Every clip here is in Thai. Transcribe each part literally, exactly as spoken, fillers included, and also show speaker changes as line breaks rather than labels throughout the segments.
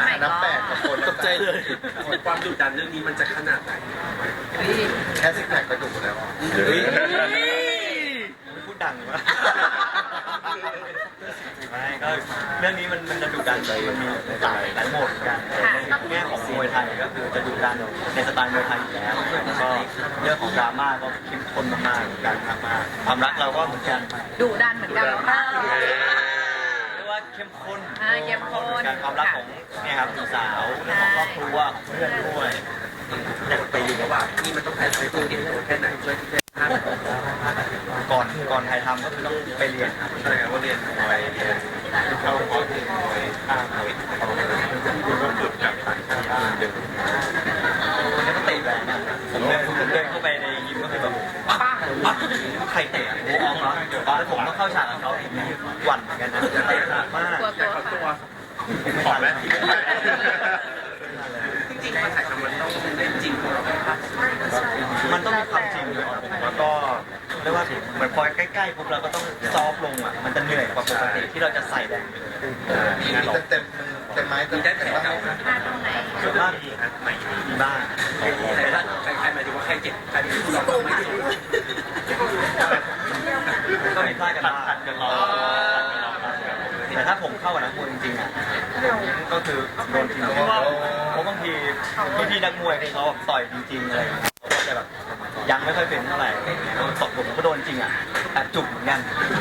นับแปดกับคนตกใจเลย
ความดุดันเรื่องนี้มันจะขนาดไหน
แค่ซิกแพคก็ดุแล้ว
พูดดังวะไม่ก็เรื่องนี้มันมันจะดุดันเลยมันมีหลายหลายโหมดกันในแง่ของมวยไทยก็คือจะดุดันในสไตล์มวยไทยอยู่แล้วแล้วก็เรื่องของดราม่าก็เข้มข้นมากๆเหมือนกันมากๆความรักเราก็เหมือนกัน
ดุดันเหมือนกันค่ะ
เรียกว่าเข้มข้น
เข้มข้น
การความรักของเนี่ยครับสาวเรื่องของครอบครัวของเพื่อนด้วย
อยากไปอยู่กับว่านี่มันต้องแพ้ใช้ตัวเองแค่ไหนช่วยที่
ก่อนก่อนถ่ายทำก็คือต้องไปเรียนครับใช่ครับว่าเรียนมวยเรียนเข้าคอร์สเรียนมวยข้ามมวยคุณก็ฝึกกับต่างชาติเดินคนนี้ก็เตะแรงผมเดินผมเดินเข้าไปในยิมก็คือแบบป้าป้าใครเตะโอ้อองเหรอแล้วผมต้องเข้าฉากกับเขาอีกหวั่นเหมือนกันนะเตะหนักมาก
ตัว
ขอแล้ว
จริงๆมาถ่ายทำมันต้องเล่นจริงของเราครับ
มันต้องมีความจริงด้วยแล้วก็เรียกว่าเหมือนพอใกล้ๆปุ๊บเราก็ต้องซอฟลงอ่ะมันจะเหนื่อยกว่าปกติที่เราจะใส่แรง
มีเต็มมือเต็มไม้เต็ม
ได้แต่
บ้าง
ส่วนมากมีมีบ้าง
แต่ละใครหมายถึงว่าใครเจ็บใครเป็นผู้ร้องไม่เจ็บ
ก็มีพลาดกันบ้างแต่ถ้าผมเข้ากับนักมวยจริงๆอ่ะก็คือโดนทีมเพราะว่าเพราะบางทีพี่ๆนักมวยที่เขาต่อยจริงๆอะไรเขาก็จะแบบยังไม่ค่อยเป็นเท่าไหร่ตบผมก็โดนจริงอ่ะแอบจุกเหมือนกัน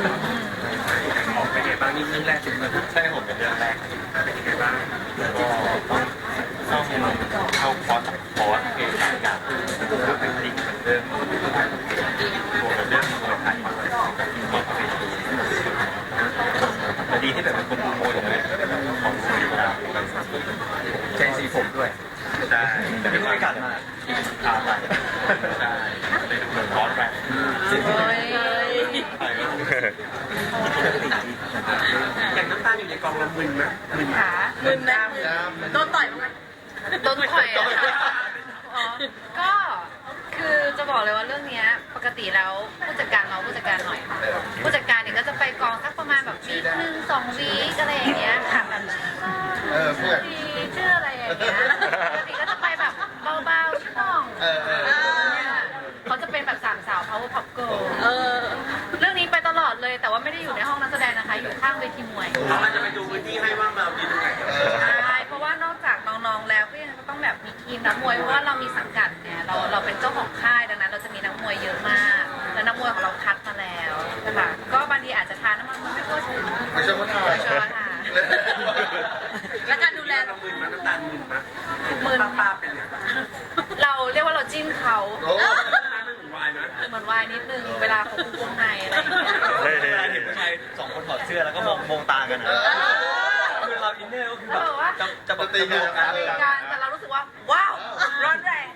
เป็นไงบ้างนี่เรื่องแรกถึงมา
ใช่ผมเป็นเรื่องแรก
เป็นยังไงบ้าง
ก็ต้องต้องเข้าคอร์สคอร์สเองหลายอย่างคือเป็นจริงเป็นเรื่องตัวเป็นเรื่องมวยไทยก็เป็นดีที่แบบเป็นคนดูมวยเลยของสีเวลาใช้สีผมด้วยใช่แต่ไม่ค่อยกัดมาทาไปใช่เลยเหมือนร้อนแรง
อย่างน้ำตาลอยู่ในกองละมึนไหมมึน
ขามึนนะโดนต่อยมั้ยโดนต่อยอ่ะก็คือจะบอกเลยว่าเรื่องนี้ปกติแล้วผู้จัดการเราผู้จัดการหน่อยผู้จัดการเนี่ยก็จะไปกองสักประมาณแบบวีคหนึ่งสองวีคอะไรอย่างเงี้ยค่ะแบบ
เออเพื่อน
ชื่ออะไรอย่างเงี้ยปกติก็จะไปแบบเบาๆชื่อน้องเขาจะเป็นแบบสามสาว power pop girl เออเรื่องนี้ไปตลอดเลยแต่ว่าไม่ได้อยู่ในห้องนักแสดงนะคะอยู่ข้างเวทีมวย
เราจะไปดูพื้นที่ให้ว่าเราดีตรงไหน
ใช่เพราะว่านอกจากน้องๆแล้วก็ยังต้องแบบมีทีมนักมวยเพราะว่าเรามีสังกัดเนี่ยเราเราเป็นเจ้าของค่ายดังนั้นเราจะมีนักมวยเยอะมากแล้วนักมวยของเราคัดมาแล้วนะคะก็บางทีอาจจะทานน้ำมันมันไม่ทั่วถึง
ไม่ใช่ว่าทาน
ไม่ใช่ว่าทานและการดูแล
เรามึนมาน้ำตาลมึนมา
มึน
ป้าเป็น
เราเรียกว่าเราจิ้นเขา
วายนะ
เหมือนวายนิดนึงเวลาเขาคุกวงในอะไรอย่างเงี้ย
เวลาเห็นผู้ชายสองคนถอดเสื้อแล้วก็มองมองตากันนะคือเราอินเนอร์ก็คือแบบจะจะแบบตีกัน
ตีกันแต่เรารู้สึกว่าว้าวร้อนแรง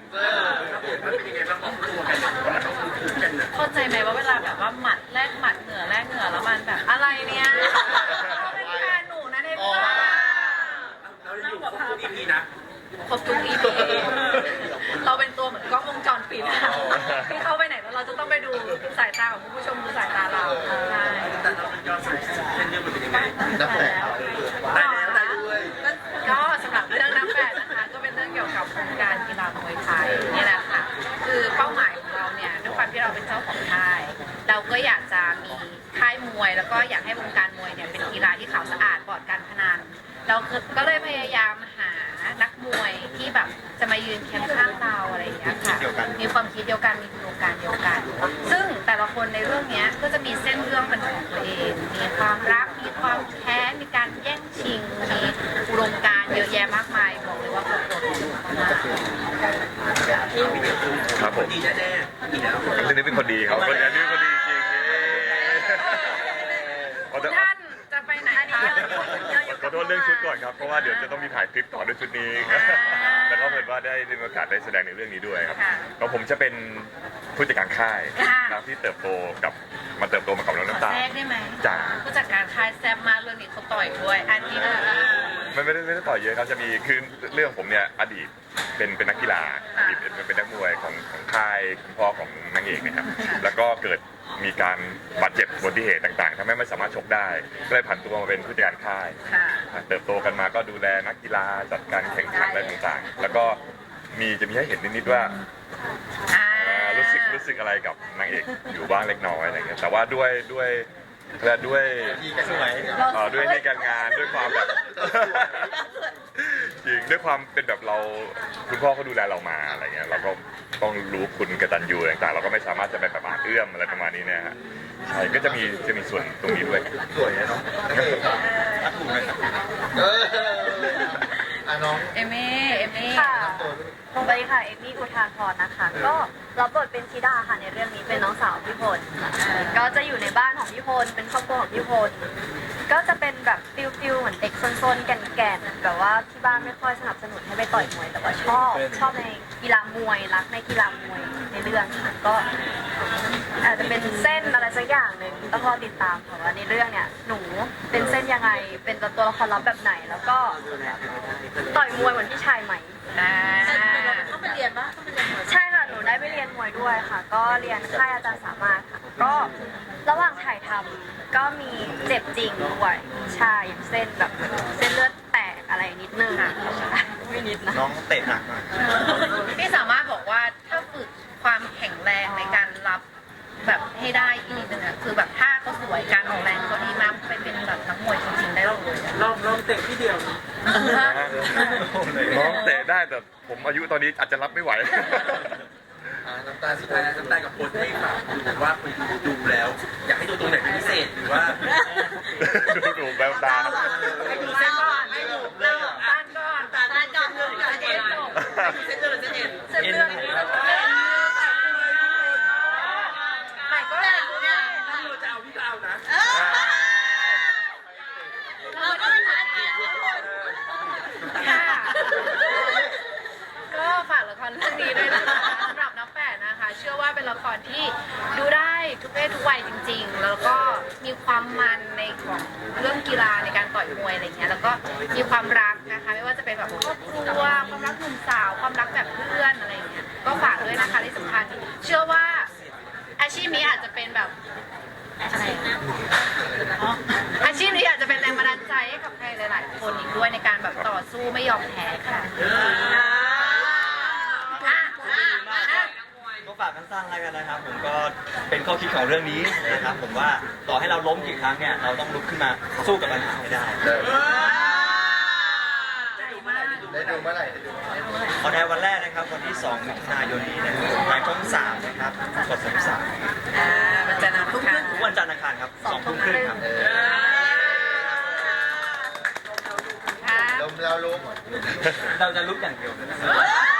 เข้าใจไหมว่าเวลาแบบว่าหมัดแลกหมัดเหนือแลกเหนือแล้วมันแบบอะไรเนี่ยเขาเป็นแฟนหนูนะเด็กว่า
เราจะอยู่ครบทุกอีพีนะ
ครบทุกอีพีเราเป็นตัวเหมือนกล้องวงจรปิดที่เข้าไปไหนแล้วเราจะต้องไปดูสายตาของผู้ชมดูสายตาเราใช่
แต่เราเป็นยอดสุดเส้นเรื่องมันเป็นยังไง
นับแปด
ได้แล้วได้ด้วยก็สำหรับเรื่องนับแปดนะคะก็เป็นเรื่องเกี่ยวกับโครงการกีฬามวยไทยนี่แหละค่ะคือเป้าหมายของเราเนี่ยด้วยความที่เราเป็นเจ้าของค่ายเราก็อยากจะมีค่ายมวยแล้วก็อยากให้วงการมวยเนี่ยเป็นกีฬาที่ขาวสะอาดปลอดการพนันเราก็เลยพยายามหานักมวยที่แบบจะมายืนเคียงข้างเราอะไรอย่างเงี้ยค่ะมีความคิดเดียวกันมีอุดมการณ์เดียวกันซึ่งแต่ละคนในเรื่องนี้ก็จะมีเส้นเรื่องเป็นของตัวเองมีความรักมีความแค้นมีการแย่งชิงมีอุดมการณ์เยอะแยะมากมายบอกเลยว่าครบรสมาก
ครับผม
ดีแน่ๆดีแล้ว
เรื่องนี้เป็นคนดีครับคนนี้เป็นคนดีจริง
ท่านจะไปไหนคะ
ขอโทษเรื่องชุดก่อนครับเพราะว่าเดี๋ยวจะต้องมีถ่ายคลิปต่อด้วยชุดนี้แล้วก็เพิ่นว่าได้มีโอกาสได้แสดงในเรื่องนี้ด้วยครับก็ผมจะเป็นผู้จัดการค่ายครับที่เติบโตกับมาเติบโตมากับน้องน้ำตาล
แทรกได้ไหม
จ้า
ผู้จัดการค่ายแซ่บมากเรื่องนี้เขาต่อยด้วยอันนี้
ไม่ไม่ได้ไม่ได้ต่อยเยอะครับจะมีคือเรื่องผมเนี่ยอดีตเป็นเป็นนักกีฬาอดีตเป็นเป็นนักมวยของของค่ายคุณพ่อของนางเอกเนะครับแล้วก็เกิดมีการบาดเจ็บอุบัติเหตุต่างๆทำให้ไม่สามารถชกได้ก็เลยผันตัวมาเป็นผู้จัดการค่าย
ค่ะ
เติบโตกันมาก็ดูแลนักกีฬาจัดการแข่งขันอะไรต่างๆ แล้วก็มีจะมีให้เห็นนิดๆว่า
อ่า
อ่ารู้สึกรู้สึกอะไรกับนางเอกอยู่บ้างเล็กน้อยอะไรเงี้ยแต่ว่าด้วยด้วยและด้วย
ที่กันสวย
เอ่อด้วยในการงานด้วยความแบบ จริงด้วยความเป็นแบบเราคุณพ่อเขาดูแลเรามาอะไรเงี้ยเราก็ต้องรู้คุณกตัญญูต่างๆเราก็ไม่สามารถจะไปแบบอาจเอื้อมอะไรประมาณนี้เนี่ยฮะใช่ก็จะมีจะมีส่วนตรงนี้ด้วย
สวยนะเนาะนางเอกอะ
ถูกไหมครับ
เอออ่ะน้อง
เอมี่เอมี่
ค่ะ
ตัวลูก
สวัสดีค่ะ เอมมี่อุทาพรนะคะ ก็รับบทเป็นธิดาค่ะในเรื่องนี้เป็นน้องสาวพี่พลค่ะก็จะอยู่ในบ้านของพี่พลเป็นครอบครัวของพี่พลก็จะเป็นแบบฟิลฟิลเหมือนเด็กซนๆแก่นๆแบบว่าที่บ้านไม่ค่อยสนับสนุนให้ไปต่อยมวย แต่ว่าชอบชอบในกีฬามวยรักในกีฬามวยในเรื่องค่ะก็อาจจะเป็นเส้นอะไรสักอย่างหนึ่งต้องรอติดตามค่ะว่าในเรื่องเนี่ยหนูเป็นเส้นยังไงเป็นตัวละครลับแบบไหน แล้วก็ต่อยมวยเหมือนพี่ชายไหม
อ่า
ต้องไปเรียนปะใช่ค่ะ หนูได้ไปเรียนมวยด้วยค่ะ ก็เรียนค่ายอาจารย์สามารถค่ะ ก็ระหว่างถ่ายทำก็มีเจ็บจริงด้วยใช่อย่างเส้นแบบเส้นเลือดแตกอะไรนิดนึงใช่ไม่นิดนะ
น้องเตะหนักมาก
พี่สามารถบอกว่าถ้าฝึกความแข็งแรงในการรับแบบให้ได้อีกนิดนึงอะคือแบบท่าก็สวยการออกแรงก็ดีมากไปเป็นแบบนักมวยจริงๆได้เลยอะ
ลองลองเตะที่เดียว
น้องเตะได้แต่ผมอายุตอนนี้อาจจะรับไม่ไหว
อ่ะน้ำตาล
สุ
สุ
ด
ด
ท้า
ท้าย ย
น้ำตาลกับโค้ชให้ฝากดูว่าคุณดูแล้ว อยากให้ดูตรงไหนเป็นพิเศษหรือว่า
ดูดูแววตา
ให้ดูเส้นก่อนให้ดูเส้นก่อนต้านก่อนต้านก่อนเส้นก่อนเส้นก่อน
เส้นเลือดเส้นเอ็น
เส้นเลือดเส้นเลือดใหม่ก็ได้เนี่ย
ถ้าเราจะเอาพี่ก็เอานะ
เราก็ไม่ท้าทายค่ะก็ฝากละครเรื่องนี้ด้วยนะคะสำหรับน้ำแปดนะคะ เชื่อว่าเป็นละครที่ดูได้ทุกเพศทุกวัยจริง ๆ แล้วก็มีความมันในของเรื่องกีฬาในการต่อยมวยอะไรเงี้ยแล้วก็มีความรักนะคะ ไม่ว่าจะเป็นแบบครอบครัวความรักหนุ่มสาวความรักแบบเพื่อนอะไรเงี้ยก็ฝากด้วยนะคะที่สำคัญเชื่อว่าอาชีพนี้อาจจะเป็นแบบอะไรนะอ๋ออาชีพนี้อาจจะเป็นแรงบันดาลใจให้กับใครหลาย ๆ คนอีกด้วยในการแบบต่อสู้ไม่ยอมแพ้ค่ะอ่ะอ่ะอ่ะ
ก็ฝากกันสั้นๆแล้วกันนะครับ ผมก็เป็นข้อคิดของเรื่องนี้นะครับ ผมว่าต่อให้เราล้มกี่ครั้งเนี่ยเราต้องลุกขึ้นมาสู้กับปัญหาให้ได้
ได้ดูเมื่อไหร่ได้ดูเมื่อไหร่
ออนแอร์วันแรกนะครับวันที่สองมิถุนายนนี้นะครับทางช่องสามนะครับกดสามสาม
อ่ามันจะนำทุกครั้ง
ทุกวันจันทร์อังคารครับสองทุ่มครึ่งครับ
เออ
ค่ะ
ลมแล้วลุก
เราจะลุกอย่างเดียวนะ